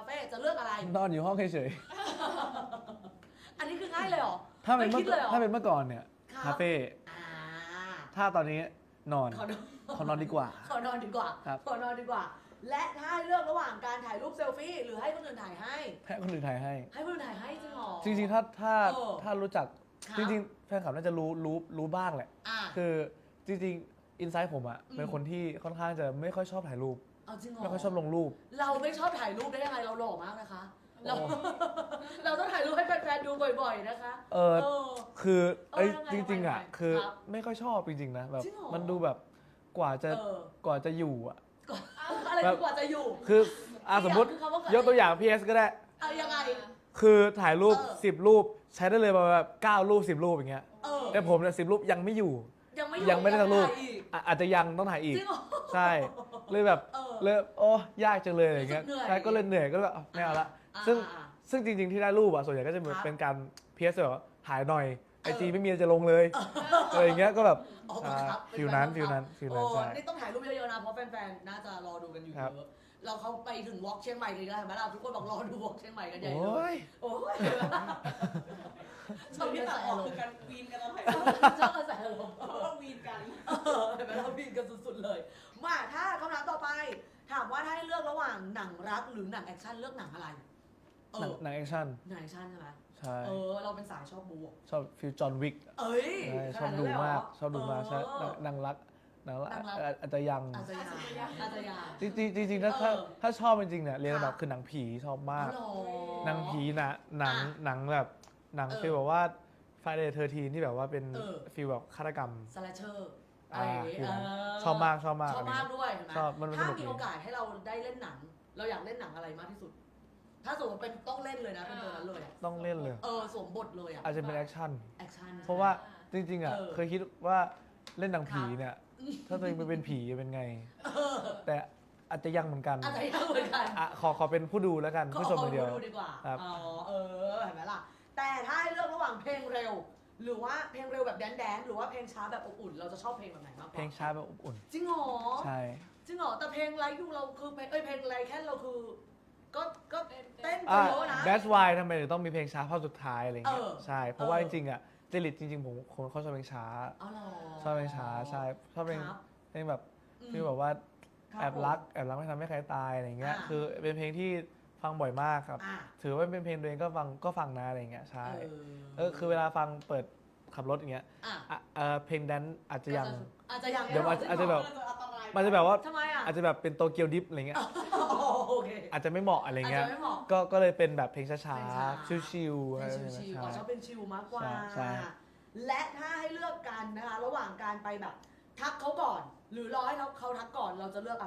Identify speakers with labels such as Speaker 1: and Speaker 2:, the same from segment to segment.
Speaker 1: เฟ่จะเลือกอะไร
Speaker 2: นอนอยู่ห้องเฉย
Speaker 1: อันนี้คือง่ายเลยเหรอ
Speaker 2: ๆถ้าเป็น
Speaker 1: ไม่
Speaker 2: เมื่
Speaker 1: คิดเลยเหรอ
Speaker 2: ถ้าเป็นเมื่อก่อนเนี่ย
Speaker 1: ครับ
Speaker 2: คาเฟ่
Speaker 1: อ่า
Speaker 2: ถ้าตอนนี้นอน
Speaker 1: ขอนอน
Speaker 2: ขอนอนดีกว่า
Speaker 1: ขอนอนดีกว่า
Speaker 2: ครับ
Speaker 1: ขอนอนดีกว่า และถ้าให้เลือกระหว่างการถ่ายรูปเซลฟี่หรือให้คนอื่นถ่ายให้
Speaker 2: ให้คนอื่นถ่ายให้
Speaker 1: ให้คนอื่นถ่ายให้จริงเหรอ
Speaker 2: จริงๆ
Speaker 1: เออ
Speaker 2: ถ้ารู้จัก
Speaker 1: ครับ
Speaker 2: จริงๆ แฟนคลับน่าจะรู้บ้างแหละ
Speaker 1: อ่า
Speaker 2: คือจริงๆ อินไซต์ผมอะเป็นคนที่ค่อนข้างจะไม่ค่อยชอบถ่ายรูป
Speaker 1: เอาจริงเหรอ
Speaker 2: ไม่ค่อยชอบลงรูป
Speaker 1: เราไม่ชอบถ่ายรูปได้ยังไงเราหล่อมากนะคะ เรา
Speaker 2: โอ้
Speaker 1: เราต้องถ่ายรูปให้แฟนๆดูบ่อยๆนะคะ
Speaker 2: เออคือเอ้ย
Speaker 1: เออยังไง
Speaker 2: จริงๆอะ
Speaker 1: ยังไง
Speaker 2: คือ
Speaker 1: ครับ
Speaker 2: ไม่ค่อยชอบจริงๆนะแบบ
Speaker 1: จริงเหรอ
Speaker 2: มันดูแบบกว่าจะ
Speaker 1: เออ
Speaker 2: กว่าจะอยู่อะ
Speaker 1: ก่อนอะไรดีกว่าจะอยู่
Speaker 2: คือสมมติ
Speaker 1: คือคำว่ากว่าจะ
Speaker 2: ยกตัวอย่าง PS ก็ได้
Speaker 1: เอายังไง
Speaker 2: คือถ่ายรูป
Speaker 1: เออ
Speaker 2: 10 รูป ใช้ได้เลยประมาณแบบ9 รูป 10 รูปอย่างเงี้ย
Speaker 1: เออ
Speaker 2: แต่ผมเนี่ย10 รูปยังไม่อยู่
Speaker 1: ยังไม่
Speaker 2: ได้สักรูป
Speaker 1: ถ่ายอีก
Speaker 2: อาจจะยังต้องถ่ายอีก
Speaker 1: จริงเหรอ
Speaker 2: ใช่เลยแบบ
Speaker 1: เออ
Speaker 2: เลยโอ้ยากจังเลยอะไรเงี้ย
Speaker 1: รู้สึกเหนื่อย
Speaker 2: ใช่ก็เลยเหนื่อยก็เลยแบบไม่เอาละ
Speaker 1: อ่า
Speaker 2: ซึ่ง
Speaker 1: อ่า
Speaker 2: ซึ่งจริงๆที่ได้รูปอะส่วนใหญ่ก็จะ
Speaker 1: ครับ
Speaker 2: เป็นการเพียสแบบว่าถ่ายหน่อยไอจีไม่มีอะไรจะลงเลยอะไรอย่างเงี้ยก็แบบ
Speaker 1: อ๋อบังคับ
Speaker 2: ฟิลนั้นฟิลนั้น
Speaker 1: โอ้
Speaker 2: ใช่
Speaker 1: นี่ต้องถ่ายรูปเยอะๆนะเพราะแฟนๆน่าจะรอดูกันอยู่
Speaker 2: ครับ
Speaker 1: เยอะเราเขาไปถึงวอล์กเชียงใหม่เลยนะเห็นไหมล่ะทุกคนบอกรอดูวอล์กเชียงใหม่กันใหญ่
Speaker 2: โอ
Speaker 1: เลย้
Speaker 2: ย
Speaker 1: โอ้ยช
Speaker 3: ช
Speaker 1: อ
Speaker 3: อ
Speaker 1: บบ ที่
Speaker 3: ที่
Speaker 1: ตั
Speaker 3: ตั
Speaker 1: ด
Speaker 3: ด
Speaker 1: อ
Speaker 3: อ
Speaker 1: อ
Speaker 3: อก ก
Speaker 1: คื
Speaker 3: คือ อ
Speaker 1: กั
Speaker 3: กัน นวีนกันเราถ่าย
Speaker 1: ชอบกระแสอารมณ์
Speaker 3: เพราะว่าวีนกัน
Speaker 1: เห็นไหมเราบินกันสุดๆเลย มาถ้าคำถามต่อไป ถามว่าถ้าให้เลือกระหว่างหนังรักหรือหนังแอคชั่นเลือกหนังอะไร เอ
Speaker 2: หนัง
Speaker 1: อ
Speaker 2: แอคชั่น
Speaker 1: หนังแอคชั่นใช่ไหม
Speaker 2: ใช่
Speaker 1: เราเป็นสายชอบบู๊
Speaker 2: ชอบฟิลจอห์นวิก
Speaker 1: เอ้ย
Speaker 2: ชอบดูมากชอบดูมากใช่
Speaker 1: เออ
Speaker 2: หนังรักหนังรัก
Speaker 1: หนังรัก
Speaker 2: อาจจะยัง
Speaker 1: อาจจะยาอาจจะยา
Speaker 2: จริงๆถ้าชอบจริงๆเนี่ยเรียน
Speaker 1: ค่ะ
Speaker 2: แบบคือหนังผีชอบมาก
Speaker 1: อ๋อ
Speaker 2: หนังผีนะหนัง
Speaker 1: อ่ะ
Speaker 2: หนังแบบหนัง
Speaker 1: เออ
Speaker 2: ฟีลแบบว่า Friday the 13ที่แบบว่าเป็น
Speaker 1: เออ
Speaker 2: ฟีลแบบฆาตกรรม
Speaker 1: สแลชเชอร์อะไรอย่างงี้
Speaker 2: ฟิลนั้น
Speaker 1: เ
Speaker 2: ชอบมาก
Speaker 1: ชอบมาก
Speaker 2: อันนี้
Speaker 1: ด้วยเห็นไหม
Speaker 2: ชอบมันส
Speaker 1: ถ้า
Speaker 2: นุก
Speaker 1: มี
Speaker 2: ดี
Speaker 1: โอกาสให้เราได้เล่นหนัง เราอยากเล่นหนังอะไรมากที่สุด ถ้าสมมติเป็นต้องเล่นเลยนะเป็นตัวนั้นเลยอะ
Speaker 2: ต้องเล่นเลย
Speaker 1: สวมบทเลยอะ
Speaker 2: อาจจะเป็นแอคชั่น
Speaker 1: แอคชั่น
Speaker 2: เพราะว่าจริงๆอ่ะ
Speaker 1: เออ
Speaker 2: เคยคิดว่าเล่นหนังผีเนี่ย ถ้าตัวเองไปเป็นผีจะเป็นไง แต่อาจจะยังเหมือนกัน
Speaker 1: อาจจะยากเหมือนกัน
Speaker 2: อ่ะขอเป็นผู้ดูแล้วกันผู้ชมคนเดียว
Speaker 1: ดูดีกว่า
Speaker 2: ครับ
Speaker 1: เห็นไหมล่ะ แต่ถ้าให้เลือกระหว่างเพลงเร็ว หรือว่าเพลงเร็วแบบแดนซ์หรือว่าเพลงช้าแบบอบอุ่น เราจะชอบเพลงแบบไหนมากกว่า
Speaker 2: เพลงช้าแบบอบอุ่น
Speaker 1: จริงเหรอ
Speaker 2: ใช่
Speaker 1: จริงเหรอ แต่เพลงไลฟ์ยูเราคือเพลงไลฟ์แค่เราคือ ก็เต้น
Speaker 2: อ่ะ
Speaker 1: เยอะนะ
Speaker 2: that's why ทำไมถึงต้องมีเพลงช้าภาพสุดท้ายอะไรเงี้ย
Speaker 1: เออ
Speaker 2: ใช่เพราะว่า
Speaker 1: เอ
Speaker 2: จ
Speaker 1: อ
Speaker 2: ริงๆอ่ะจริตจริงๆผมคนเขาชอบเพลงช้า
Speaker 1: เอาเหรอ
Speaker 2: ชอบเพลงช้าใช่ชอบเพลง
Speaker 1: ครับ
Speaker 2: เพลงแบบ
Speaker 1: อืม
Speaker 2: ฟีลแบบว่า
Speaker 1: ครับ
Speaker 2: แอบรักไม่ทำให้ใครตายอะไรเงี้ย
Speaker 1: อ่า
Speaker 2: คือเป็นเพลงที่ฟังบ่อยมากครับ
Speaker 1: อ่ะ
Speaker 2: ถือว่าเป็นเพลงตัวเองก็ฟังนะอะไรเงี้ยใช่
Speaker 1: เออ
Speaker 2: คือเวลาฟังเปิดขับรถอย่างเงี้ย
Speaker 1: อ่ะ
Speaker 2: เพลงแดนซ์อาจจะยัง
Speaker 1: อาจจะยัง
Speaker 2: เดี๋ยวอาจจะแบบ
Speaker 3: อันตราย
Speaker 2: มันจะแบบว่า
Speaker 1: ทำไมอ่ะ
Speaker 2: อาจจะแบบเป็นโตเกียวดิฟอะไรเงี้ย
Speaker 1: โอเค
Speaker 2: อาจจะไม่เหมาะอะไรเงี้ย
Speaker 1: อาจจะไม่เหมาะ
Speaker 2: ก็เลยเป็นแบบเพลงช้า
Speaker 1: เพลงช้า
Speaker 2: ๆชิลๆ
Speaker 1: เพ
Speaker 2: อะ
Speaker 1: ล
Speaker 2: ไรง แบบ
Speaker 1: ชิ
Speaker 2: นี้
Speaker 1: วๆชอบเป็นชิลมากกว่า
Speaker 2: ใช่
Speaker 1: และถ้าให้เลือกกันนะคะ ระหว่างการไปแบบ ทักเขาก่อน หรือรอให้เขาทักก่อนเราจะเลือกอะไร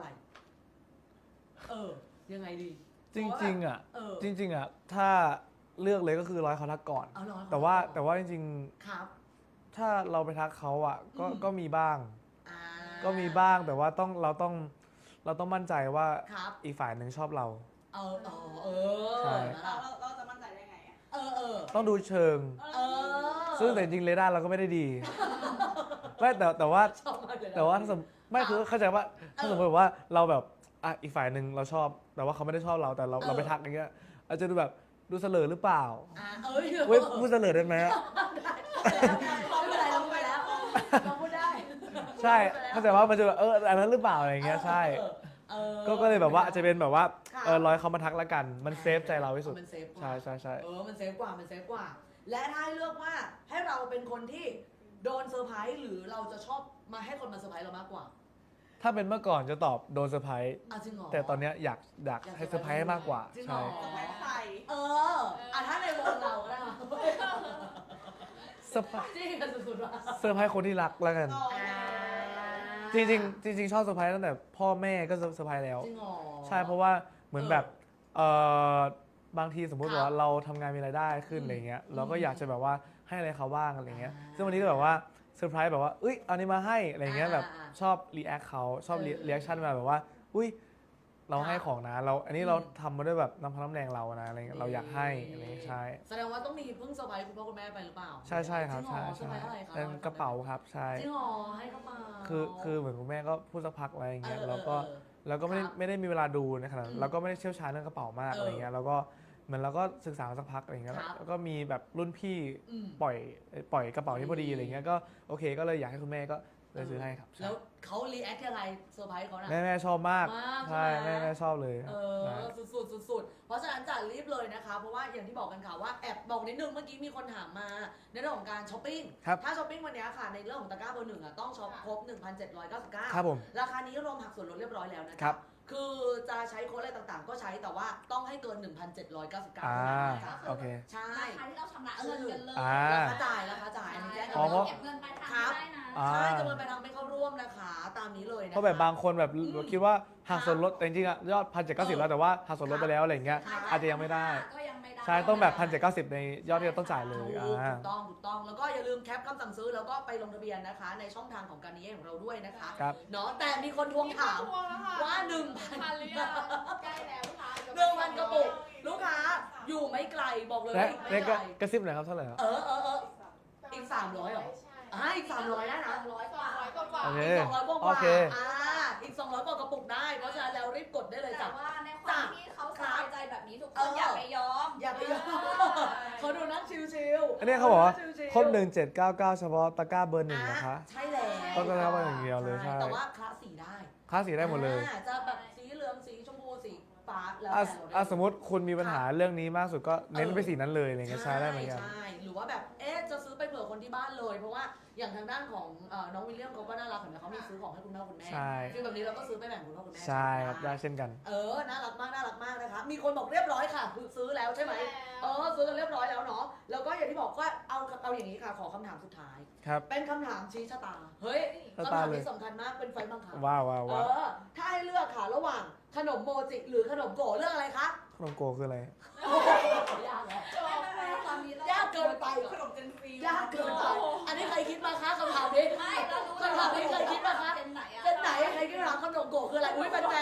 Speaker 1: ยังไงดี
Speaker 2: จริงๆอ่ะ
Speaker 1: เออ
Speaker 2: จริงๆอ่ะถ้าเลือกเลยก็คือร้อยเขาทักก่อน
Speaker 1: เอารอให้เข
Speaker 2: แต่ว่าจริง
Speaker 1: ครับ
Speaker 2: ๆถ้าเราไปทักเขาอ่ะ
Speaker 1: อืม
Speaker 2: ก็มีบ้าง
Speaker 1: อ่า
Speaker 2: ก็มีบ้างแต่ว่าเราต้องมั่นใจว่า
Speaker 1: ครับ
Speaker 2: อีกฝ่ายหนึ่งชอบเรา ใช่
Speaker 1: เห็นไหมล่ะ
Speaker 3: เราจะมั่นใจได้ไงอ่ะ
Speaker 2: ต้องดูเชิง ซึ่งแต่จริงๆเรดาร์เราก็ไม่ได้ดี ไม่แต่ว่า
Speaker 1: ชอบมากเลยนะ
Speaker 2: แต่ว่าถ้าสมไม่คือเข้าใจว่าถ้าสมมติว่าเราแบบอ่ะอีกฝ่ายหนึ่งเราชอบ แต่ว่าเขาไม่ได้ชอบเราแต่เราไปทักอย่างเงี้ยอาจจะดูแบบดูเสลอหรือเปล่า เว้ยพูดเสลอได้ไหมอะ
Speaker 1: ไม่เป็นไรเราพูดไปแล้วเราพูดได้
Speaker 2: ใช่เข้าใจว่ามันจะแบบอันนั้นหรือเปล่าอะไรอย่างเงี้ยใช่ ก็เลยแบบว่าอาจจะเป็นแบบว่า
Speaker 1: ค่ะ
Speaker 2: ร้อยเขามาทักแล้วกัน มันเซฟใจเราที่สุด
Speaker 1: มันเซฟกว่า
Speaker 2: ใช่ใช่ใช่
Speaker 1: มันเซฟกว่า มันเซฟกว่า และถ้าให้เลือกว่าให้เราเป็นคนที่โดนเซอร์ไพรส์หรือเราจะชอบมาให้คนมาเซอร์ไพรส์เรามากกว่า
Speaker 2: ถ้าเป็นเมื่อก่อนจะตอบโดนเซอร์ไพรส์
Speaker 1: จริงเหรอ
Speaker 2: แต่ตอนเนี้ยอยากให้เซอร์ไพรส์ให้มากกว่า
Speaker 1: จริงเหร
Speaker 2: ใช่
Speaker 1: อ
Speaker 3: จะไม่ใส่
Speaker 1: ถ้าในวงเราก็ได้ค่ะ
Speaker 2: เซอร์ไพรส์
Speaker 1: จริงกันสุดๆว่ะ
Speaker 2: เซอร์ไพรส์คนที่รักแล้วกัน จริงๆชอบเซอร์ไพรส์ตั้งแต่พ่อแม่ก็เซอร์ไพรส์แล้ว
Speaker 1: จริงเหรอ
Speaker 2: ใช่เพราะว่าเหมือนแบบบางทีสมมุติ
Speaker 1: ครับ
Speaker 2: ว่าเราทำงานมีรายได้ขึ้น
Speaker 1: อืม
Speaker 2: อะไรเงี้ยเราก็อยากจะแบบว่าให้อะไรเขาบ้างอะไรเงี้ย
Speaker 1: อ่า
Speaker 2: ซึ่งวันนี้ก็แบบว่าเซอร์ไพรส์แบบว่าอุ้ยเอานี้มาให้อะไรเงี้ยแบบ
Speaker 1: อ่า
Speaker 2: ชอบรีแอคเขาชอบ
Speaker 1: เออ
Speaker 2: รีแอคชั่นมาแบบว่าอุ้ยเราให้
Speaker 1: ครับ
Speaker 2: ของนะเราอันนี้
Speaker 1: อืม
Speaker 2: เราทำมาด้วยแบบน้ำพักน้ำแรงเรานะอะไรเงี้ยเราอยากให้อะไรเงี้ยใช่
Speaker 1: แสดงว่าต้องมีเพิ่งเซอร์ไพรส์คุณพ่อคุณแม่ไปหรือเปล่า
Speaker 2: ใช่ครับ
Speaker 1: จริงเหร
Speaker 2: ใช่
Speaker 1: อเซอร์ไพรส์อะไรคะ
Speaker 2: เป็นกระเป๋าครับใช่
Speaker 1: จริงเหรอให้เข้ามา
Speaker 2: คือเหมือนคุณแม่ก็พูดสักพักอะไรอย่างเงี้ยแล้วก็แล้วก็ไม่ได้
Speaker 1: ครับ
Speaker 2: ไม่ได้มีเวลาดูในขนาดนั้
Speaker 1: อื
Speaker 2: น
Speaker 1: ม
Speaker 2: เราก็ไม่ได้เชี่ยวชาญเรื่องกระเป๋ามาก
Speaker 1: เอออ
Speaker 2: อะไรเงี้ยแล้วก็เหมือนเราก็ศึกษามาสักพักอะไรเงี้ย
Speaker 1: ครับ
Speaker 2: แล้วก็มีแบบรุ่นพี่
Speaker 1: อืม
Speaker 2: ปล่อยกระเป๋านี้พอดีอะไรเงี้ยก็โอเคก็เลยอยากให้คุณแม่ก็เลยซื้อให้ครับใช่
Speaker 1: แล้วเขารีแอคยังไงเซอร์ไพรส์เขานะ
Speaker 2: แม่ชอบมาก
Speaker 1: มาก
Speaker 2: ใช่
Speaker 1: ใช่ไหม
Speaker 2: แม่ชอบเลย
Speaker 1: เอ
Speaker 2: นะ
Speaker 1: อสุดๆเพราะฉะนั้นจะรีบเลยนะคะ เพราะว่าอย่างที่บอกกันค่ะว่าแอบบอกนิดนึงเมื่อกี้มีคนถามมาในเรื่องของการช้อปปิ้ง
Speaker 2: ครับ
Speaker 1: ถ้าช้อปปิ้งวันนี้ค่ะในเรื่องของตะกร้าเบอร์หนึ่งอ่ะต้องช็อปครบ 1,799
Speaker 2: ครับผม
Speaker 1: ราคานี้รวมหักส่วนลดเรียบร้อยแล้วนะ
Speaker 2: ครั
Speaker 1: คะ
Speaker 2: บ
Speaker 1: คือจะใช้โค้ดอะไรต่างๆ ก็ใช้แต่ว่าต้องให้เกิน 1,799
Speaker 2: อ่า
Speaker 1: นะคะ
Speaker 2: โอเค
Speaker 1: ใช่
Speaker 3: ราคาที่เราชำระเงินกันเลย
Speaker 2: อ่า
Speaker 1: ราคาจ่ายอันนี้แจ้ง
Speaker 2: อ๋อเพราะ
Speaker 3: เก็บเงินปลายทางไม่ได้นะ
Speaker 2: อ่า
Speaker 1: ใช่จำนวนไปทางไม่เข้าร่วมนะคะ ตามนี้เลยนะคะ
Speaker 2: เพราะแบบบางคนแบบ
Speaker 1: อืม
Speaker 2: คิดว่าหักส่วนลดแต่จริงๆอะยอด1,790แล้วแต่ว่าหักส่วนลดไปแล้วอะไรเงี้ย
Speaker 1: ครับ
Speaker 2: อาจจะยังไม่ได้
Speaker 3: ก็ยังไม่ได้
Speaker 2: ใช่ต้องแบบ1,790ในยอดที่เราต้องจ่ายเลย
Speaker 1: ถูก
Speaker 2: อ่า
Speaker 1: ถูกต้องแล้วก็อย่าลืมแคปคำสั่งซื้อแล้วก็ไปลงทะเบียนนะคะ ในช่องทางของการนี้ของเราด้วยนะคะ
Speaker 2: ครับ
Speaker 1: เนาะแต่มีคนทวงถาม ว่า
Speaker 3: พันหรือยังใกล้แล้วค่ะ
Speaker 1: 1,000 กระปุก ลูกค้าอยู่ไม่ไกลบอกเลย
Speaker 2: และ
Speaker 1: ว่าอยู่
Speaker 2: ใน
Speaker 1: ไม่ไกล
Speaker 2: กระซิบหน่อยครับเท่าไหร่ครับ
Speaker 1: อีก300เหรออีก300ได้นะ
Speaker 3: 200 กว่า
Speaker 2: โอเค
Speaker 1: อีก200กว่า
Speaker 2: โอเค
Speaker 1: อีก200กว่ากระปุกได้ เพราะฉะนั้นแล้วรีบกดได้เลย
Speaker 3: แต่
Speaker 1: จ้ะ
Speaker 3: ว่าในความที่เขาสบายใจแบบนี้ทุกคนอย่าไปยอม
Speaker 1: อย่าไปยอมเขาดูนั่งชิวๆ
Speaker 2: อันนี้เขาบอกว่า
Speaker 1: ชิวๆ
Speaker 2: ครบ1799 เฉพาะตะกร้าเบอร์หนึ่งนะคะ
Speaker 1: ใช่แล้ว
Speaker 2: ต้องตะกร้าเบอร์อย่างเดียวเลยใช่
Speaker 1: แต่ว่าคละสีได้
Speaker 2: ค่าสีได้หมดเลย
Speaker 1: จะแบบสีเหลืองสีชมพูสีฟ้าแล้ว
Speaker 2: อ่ะ
Speaker 1: แต่เราได้
Speaker 2: อ่ะสมมติคุณมีปัญหาเรื่องนี้มากสุดก็เน้นไปสีนั้นเลยอะไรเงี้ยใช้ได้เหมือนกัน
Speaker 1: ใช่หรือว่าแบบจะซื้อไปเผื่อคนที่บ้านเลย เพราะว่าอย่างทางด้านของน้องวิลเลียมเขาก็น่ารักเห็นไหมเขามีซื้อของให้คุณพ่อคุณแม่
Speaker 2: ใช่
Speaker 1: คือแบบนี้เราก็ซื้อไปแบ่งคุณพ่อคุณแม่
Speaker 2: ใช่ครับได้เช่นกัน
Speaker 1: น่ารักมากนะคะมีคนบอกเรียบร้อยค่ะคือซื้อแล้วใช่ไหมซื้อกันเรียบร้อยแล้วเนาะแล้วก็อย่างที่บอกว่าเอาอย่างนี้ค่ะขอคำถามสุดท้าย
Speaker 2: ครับ
Speaker 1: เป็นคำถามชี้ชะตาเฮ้ย
Speaker 2: ชะ
Speaker 1: คำ
Speaker 2: ตา
Speaker 1: ถาม
Speaker 2: เลย
Speaker 1: นี้สำคัญมากเป็นไฟบังคับ
Speaker 2: ว้าวว้าวว้าว
Speaker 1: ถ้าให้เลือกค่ะระหว่างขนมโมจิหรือขนมโกะเลือกอะไรคะ
Speaker 2: ขนมโกคืออะไร
Speaker 1: ยากแล้ว
Speaker 3: ตอนนี้เรา
Speaker 1: ยากเกินไปเหรอ
Speaker 3: ขนมเจนซี
Speaker 1: ยากเกินไปอันนี้ใครคิดมาคะคำถามนี้
Speaker 3: ไม่เรารู้
Speaker 1: คำถามนี้เคยคิดมาคะ
Speaker 3: เจนไหนอะ
Speaker 1: เส้นไหนใครคิดมาขนมโกะคืออะไรอุ้ยแฟน
Speaker 3: ไหน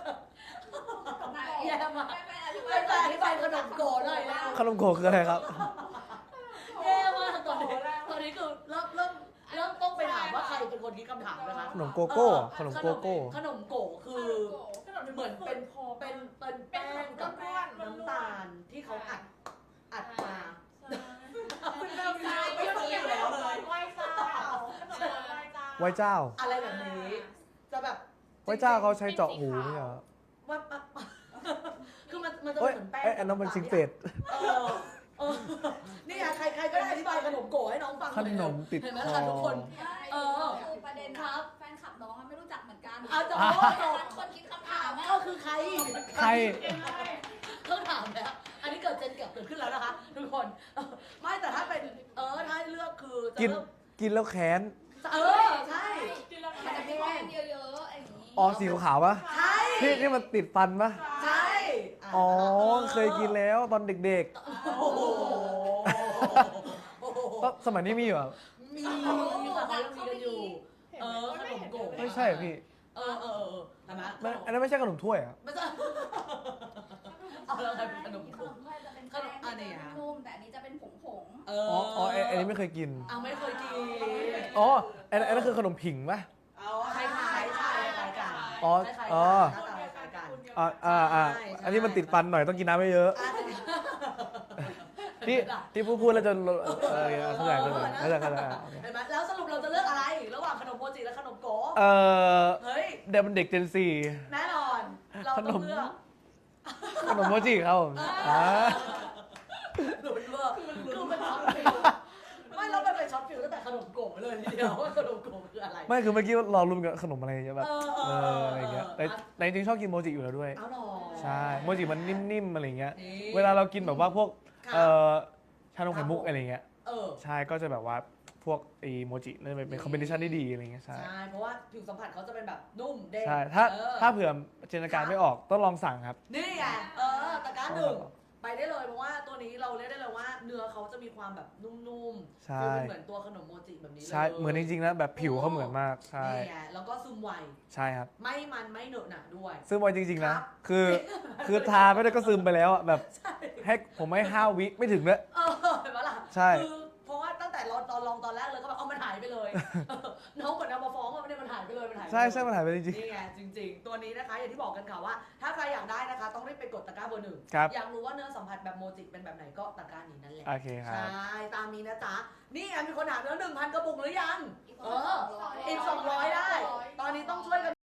Speaker 1: แย่มาก
Speaker 3: ไม่
Speaker 1: แฟนอธิบายขนมโกะหน่อยแล้ว
Speaker 2: ขนมโกคืออะไรครับ
Speaker 1: แย่มากตอนนี้คือเริ่มต้องไปถามว่าใครเป็นคนคิดคำถามนะคะ
Speaker 2: ขนมโกโก้อะขนมโกโก้
Speaker 1: ขนมโกะคือเหมือนเป็นแป้งกับน้ำตาลที่เขาอัดมา
Speaker 3: คุณเริ่มใจไม่รู้อยู่แล้วเลย
Speaker 2: ไหว้เจ้า
Speaker 1: อะไรแบบนี้จะแบบ
Speaker 2: ไหว้เจ้าเขาใช้เจาะหูไม่ใช่เหรอ
Speaker 1: ว่าคือมันจะ
Speaker 2: เอ้ย
Speaker 1: เหมือนแป้ง
Speaker 2: เอ้ยอันนั้นมันซิงเป็ด
Speaker 1: เออนี่ไงใครก็ได้อธิบายขนมโกะให้น้องฟังห
Speaker 2: ข
Speaker 1: น่อย
Speaker 2: นมติด
Speaker 1: เห็นไหม
Speaker 2: ค
Speaker 1: ล่ะ
Speaker 2: อ
Speaker 1: ทุกคน
Speaker 3: คือประเด็น
Speaker 1: ครับ
Speaker 3: แฟนคลับน้องไม่รู้จักเหมือนกัน
Speaker 1: เอาจะ
Speaker 3: คนคิดคำถาม
Speaker 1: ก็คือใคร
Speaker 2: ใคร
Speaker 1: ต้องถามแล้วอันนี้เกิดเจนเกิดขึ้นแล้วนะคะทุกคนไม่แต่ถ้าเป็นถ้าให้เลือกคือจะ
Speaker 2: กิน
Speaker 1: เลือก
Speaker 2: กินแล้วแค้น
Speaker 1: ใช่
Speaker 3: มันจะมีแป้งเยอะๆอย่างนี้
Speaker 2: อ๋อสีขาวๆปะ
Speaker 1: ใช่
Speaker 2: ที่มันติดฟันปะ
Speaker 1: ใช่
Speaker 2: อ๋อเคยกินแล้วตอนเด็ก
Speaker 1: โอ้โห
Speaker 2: ๆก็สมัยนี้มีอยู่อะ
Speaker 1: มีแต่เขายังมีกันอยู่ขนมโกะ
Speaker 2: ไม่ใช่เหรอพี่
Speaker 1: เห็นไหม
Speaker 2: มันอันนั้นไม่ใช่ขนมถ้วยอะ
Speaker 1: ไม่ใช่เอาแล้วใครเป็นขนม
Speaker 3: ข
Speaker 1: โกะ
Speaker 3: นมถ้วยจะเป็นแป้งนุ่มแต่อันนี้จะเป็นผง
Speaker 2: อ๋ออันนี้ไม่เคยกิน
Speaker 1: ไม่เคยกิน
Speaker 2: อ๋ออันนั้นคือขนมผิงปะ
Speaker 1: คล้ายๆกัน
Speaker 2: อ๋อ
Speaker 1: คล้ายๆ
Speaker 2: อ๋อ
Speaker 1: กันหน้าตาคล้ายๆกัน
Speaker 2: อ่าอันนี้มันติดฟันหน่อยต้องกินน้ำไม่เยอะ ที่พูดแล้วจะเข้าใจเข้าใจ
Speaker 1: เห็นไหมแล้วสรุปเราจะเลือกอะไร ระหว่างขนมโมจิและขนมโกะเฮ้ย
Speaker 2: เดี๋ยวมันเด็กเจนซี
Speaker 1: แน่นอนเราต้องเลือก
Speaker 2: ขนมโมจิครับผม
Speaker 1: หลุดเลือกคือเป็นช็อตฟิลไม่เราไปช็อตฟิลตั้งแต่ขนมโกะเลยทีเดียวว่าขนมโกะคืออะไร
Speaker 2: ไม่คือเมื่อกี้เราลุ้นกับขนมอะไรแบบอะไรเงี้ยแต่จริงๆชอบกินโมจิอยู่แล้วด้วย
Speaker 1: เอาหรอ
Speaker 2: ใช่โมจิมันนิ่มๆอะไรเงี้ย
Speaker 1: นี่
Speaker 2: เวลาเรากินแบบว่าพวก
Speaker 1: ค่ะ
Speaker 2: ชานมไข่มุกอะไรเงี้ย
Speaker 1: เออ
Speaker 2: ใช่ก็จะแบบว่าพวกไอโมจินั่นเป็นคอมบิเนชันที่ดีอะไรเงี้ยใช่
Speaker 1: ใช่เพราะว่าผิวสัมผัสเขาจะเป็นแบบนุ่มเด้ง
Speaker 2: ใช่ถ้าเผื่อจินตนาการไม่ออกต้องลองสั่งครับ
Speaker 1: นี่ไงตะกร้าหนึ่งไปได้เลยเพราะว่าตัวนี้เราเรียกได้เลยว่าเนื้อเขาจะมีความแบบนุ่มๆ
Speaker 2: ใช่
Speaker 1: คือเหมือนตัวขนมโมจิแบบนี้เลย
Speaker 2: ใช่เหมือนจริงๆนะแบบผิวเขาเหมือนมากใช่
Speaker 1: นี่ไงแล้วก็ซึมไว
Speaker 2: ใช่ครับ
Speaker 1: ไม่มันไม่เหนอะหนะด้วย
Speaker 2: ซึมไวจริงๆนะ
Speaker 1: ครับ
Speaker 2: คือทาไม่ได้ก็ซึมไปแล้วอะแบบ
Speaker 1: ใช่
Speaker 2: ให้ผมให้5 วิไม่ถึงเลย
Speaker 1: เห็นปะล่ะ
Speaker 2: ใช่
Speaker 1: คือเพราะว่าตั้งแต่เราตอนลองตอนแรกเลยก็แบบเอามันหายไปเลยน้องเหมือนเอามาฟ้องว่ามันหายไปเลยมันหาย
Speaker 2: ใช่ใช่มันหายไปจริง
Speaker 1: นี่ไงจริง ๆ ตัวนี้นะคะอย่างที่บอกกันค่ะว่า ถ้าใครอยากได้นะคะ ต้องรีบไปกดตะกร้าเบอร์ 1
Speaker 2: ครับ
Speaker 1: อยากรู้ว่าเนื้อสัมผัสแบบโมจิเป็นแบบไหนก็ตะกร้านี้นั่นแหละ
Speaker 2: โอเคค
Speaker 1: ใช
Speaker 2: รับ
Speaker 1: ่ตามนี้นะจ๊ะนี่ไงมีคนถามแล้ว1,000 กระปุกหรือยัง
Speaker 3: อีก
Speaker 1: เอ
Speaker 3: คน
Speaker 1: อ